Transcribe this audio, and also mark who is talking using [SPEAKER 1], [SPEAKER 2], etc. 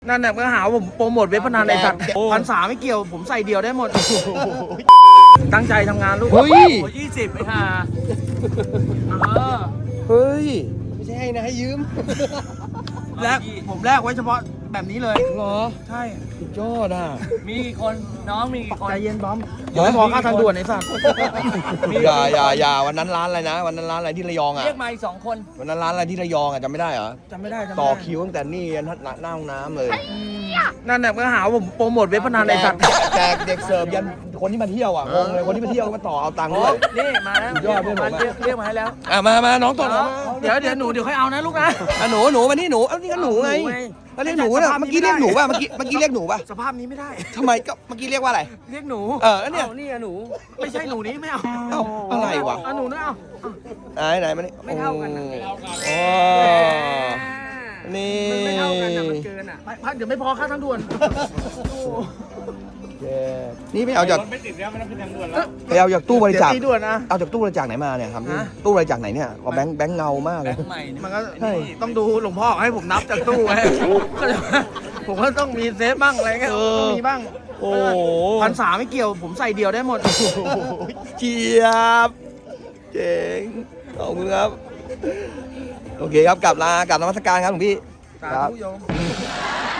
[SPEAKER 1] นั่นแหละก็หาผมโปรโมทเว็บพนันในสัตว์1,300ไม่เกี่ยวผมใส่เดียวได้หมดตั้งใจทำงานลูก
[SPEAKER 2] เฮ้ย
[SPEAKER 1] 20ไอ้ห่า
[SPEAKER 2] เฮ้ย
[SPEAKER 3] ไม่ใช่ให้นะให้ยืม
[SPEAKER 1] แลกผมแลกไว้เฉพาะแบบนี้เลย
[SPEAKER 2] เหรอ
[SPEAKER 1] ใช่
[SPEAKER 2] สุดยอดอ่ะ
[SPEAKER 4] มีกี่คนน้องมีกี่คน
[SPEAKER 1] ใจเย็นบอมเดี๋ยวไม่พอค่าทางด่วนไอ้สัตว์
[SPEAKER 2] อย่าวันนั้นร้านอะไรนะวันนั้นร้านอะไรที่ระยองอ่ะ
[SPEAKER 4] เรียกมาอีก2 คน
[SPEAKER 2] วันนั้นร้านอะไรที่ระยองอ่ะจำไม่ได้เหรอ
[SPEAKER 1] จำไม่ได้จำไม่ได้
[SPEAKER 2] ต่อคิวตั้งแต่นี่ยันหน้าห้องน้ำเลย
[SPEAKER 1] นั่นแหละก็หาผมโปรโมทเว็บพนันในสัตว์
[SPEAKER 2] แจกเด็กเสิร์ฟยันคนที่มาเที่ยวอ่ะงงเลยคนที่มาเที่ยวก็มาต่อเอาตังค์ด้วย
[SPEAKER 4] นี่มาแล้ว
[SPEAKER 2] สุดยอดเพื่อนผมอะ
[SPEAKER 4] เรียกมาให้แล้ว
[SPEAKER 2] มาน้องต่อมา
[SPEAKER 1] เดี๋ยวหนูเดี๋ยวค่อยเอานะลูกนะ
[SPEAKER 2] หนูมานี่หนูนี่ก็หนูไงแล้วเรียกหนูนะเมื่อกี้เรียกหนูป่ะเมื่อกี้เรียกหนูป่ะ
[SPEAKER 1] สภาพนี้ไม่ได้
[SPEAKER 2] ทำไมก็เมื่อกี้เรียกว่าอะไร
[SPEAKER 1] เรียกหนู
[SPEAKER 2] แล้วเนี่ย
[SPEAKER 4] เอานี่อะหนู
[SPEAKER 1] ไม่ใช่หนูนี้ไม่เอา
[SPEAKER 2] เอ้าอะไรวะ
[SPEAKER 1] เอาหนูนะเอา
[SPEAKER 2] ไหนมานี่
[SPEAKER 4] ไม่เท่ากันนะ
[SPEAKER 2] โอ้นี่
[SPEAKER 4] มันไม่เท่ากันนะมันเกินอ่ะ
[SPEAKER 1] ไปเดี๋ยวไม่พอค่าทางด่วน
[SPEAKER 2] นี่ไม่เอาจากไปเอาจากตู้บริจาค
[SPEAKER 1] เดี๋ยวตีด่วนนะ
[SPEAKER 2] เอาจากตู้บริจาคไหนมาเนี่ยครับ
[SPEAKER 1] ฮะ
[SPEAKER 2] ตู้บริจาคไหนเนี่ยก็แบงค์เงามากเลย
[SPEAKER 4] ใหม่เนี่ย
[SPEAKER 1] มันก็
[SPEAKER 2] ใช่
[SPEAKER 1] ต้องดูหลวงพ่อให้ผมนับจากตู้ไว้ผมก็ต้องมีเซฟบ้างอะไรเงี้ยต้องมีบ้าง
[SPEAKER 2] โอ้
[SPEAKER 1] 1,300ไม่เกี่ยวผมใส่เดียวได้หมด
[SPEAKER 2] เจี๊ยบเจ๋งขอบคุณครับโอเคครับกลับนมัสการครับหลวงพี่
[SPEAKER 1] สาธุโยม